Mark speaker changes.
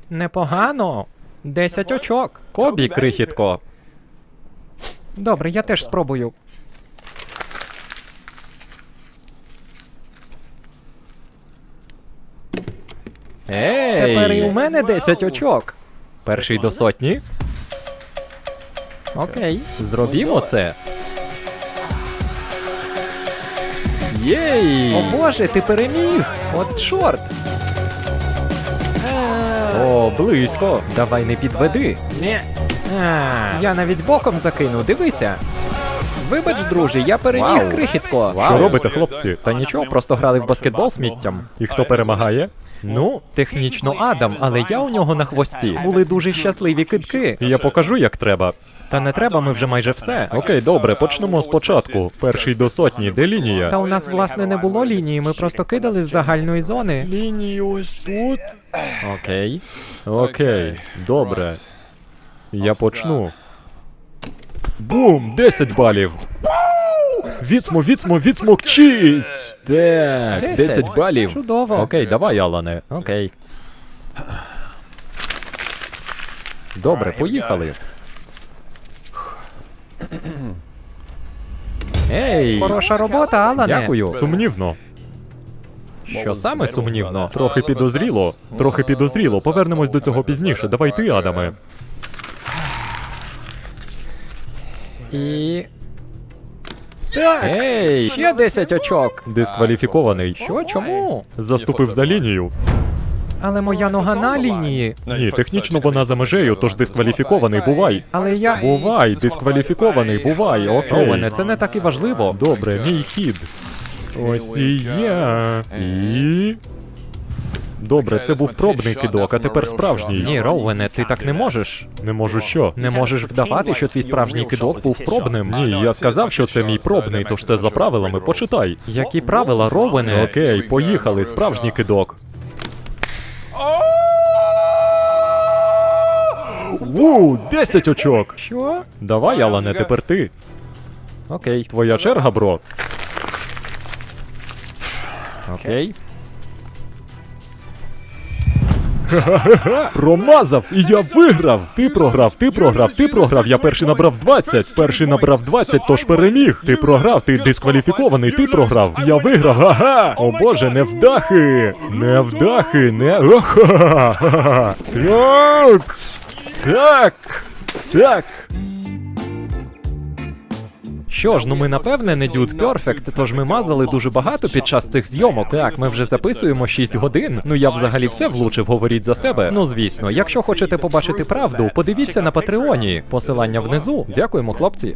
Speaker 1: Непогано. 10 очок. Кобі, крихітко. Добре, я теж спробую.
Speaker 2: Ей!
Speaker 1: Тепер і у мене 10 очок. Перший до сотні. Окей, зробімо це.
Speaker 2: Єй!
Speaker 1: О боже, ти переміг! От чорт!
Speaker 2: О, близько.
Speaker 1: Давай не підведи. Я навіть боком закину, дивися. Вибач, друже, я переміг,
Speaker 2: Вау.
Speaker 1: крихітко.
Speaker 2: Що робите, хлопці?
Speaker 1: Та нічого, просто грали в баскетбол сміттям.
Speaker 2: І хто перемагає?
Speaker 1: Ну, технічно Адам, але я у нього на хвості. Були дуже щасливі кидки.
Speaker 2: Я покажу, як треба.
Speaker 1: Та не треба, ми вже майже все.
Speaker 2: Окей, добре, почнемо спочатку. Перший до сотні, де лінія?
Speaker 1: Та у нас, власне, не було лінії, ми просто кидали з загальної зони.
Speaker 2: Лінії ось тут.
Speaker 1: Окей.
Speaker 2: Окей, добре. Я почну. Бум! 10 балів. Відсмокчіть! Так, 10 балів.
Speaker 1: Чудово.
Speaker 2: Окей, давай, Алане.
Speaker 1: Окей.
Speaker 2: Добре, поїхали. Ей!
Speaker 1: Хороша робота, Алане.
Speaker 2: Дякую. Сумнівно.
Speaker 1: Що саме сумнівно?
Speaker 2: Трохи підозріло. Трохи підозріло. Повернемось до цього пізніше. Давай ти, Адаме.
Speaker 1: І... Так,
Speaker 2: Ей!
Speaker 1: ще 10 очок.
Speaker 2: Дискваліфікований.
Speaker 1: Що, чому?
Speaker 2: Заступив за лінію.
Speaker 1: Але моя нога на лінії.
Speaker 2: Ні, технічно вона за межею, тож дискваліфікований, бувай.
Speaker 1: Але я...
Speaker 2: Бувай, дискваліфікований, бувай, окей.
Speaker 1: Ровене, це не так і важливо.
Speaker 2: Добре, мій хід. Ось і я. І... Добре, це був пробний кидок, а тепер справжній.
Speaker 1: Ні, Роуене, ти так не можеш.
Speaker 2: Не можу що?
Speaker 1: Не можеш вдавати, що твій справжній кидок був пробним.
Speaker 2: Ні, я сказав, що це мій пробний, тож це за правилами, почитай.
Speaker 1: Які правила, Роуене?
Speaker 2: Окей, поїхали, справжній кидок. Ву, 10 очок!
Speaker 1: Що?
Speaker 2: Давай, Алане, тепер ти.
Speaker 1: Окей.
Speaker 2: Твоя черга, бро.
Speaker 1: Окей.
Speaker 2: Промазав, і я виграв! Ти програв, я перший набрав 20. Перший набрав 20, тож переміг. Ти програв, ти дискваліфікований, ти програв. Я виграв, га-га! О боже, невдахи! Невдахи, не... Ха-ха-ха! Так! Так! Так!
Speaker 1: Що ж, ну ми напевне не Dude Perfect, тож ми мазали дуже багато під час цих зйомок. Так, ми вже записуємо 6 годин. Ну я взагалі все влучив, говоріть за себе. Ну звісно, якщо хочете побачити правду, подивіться на Патреоні. Посилання внизу. Дякуємо, хлопці.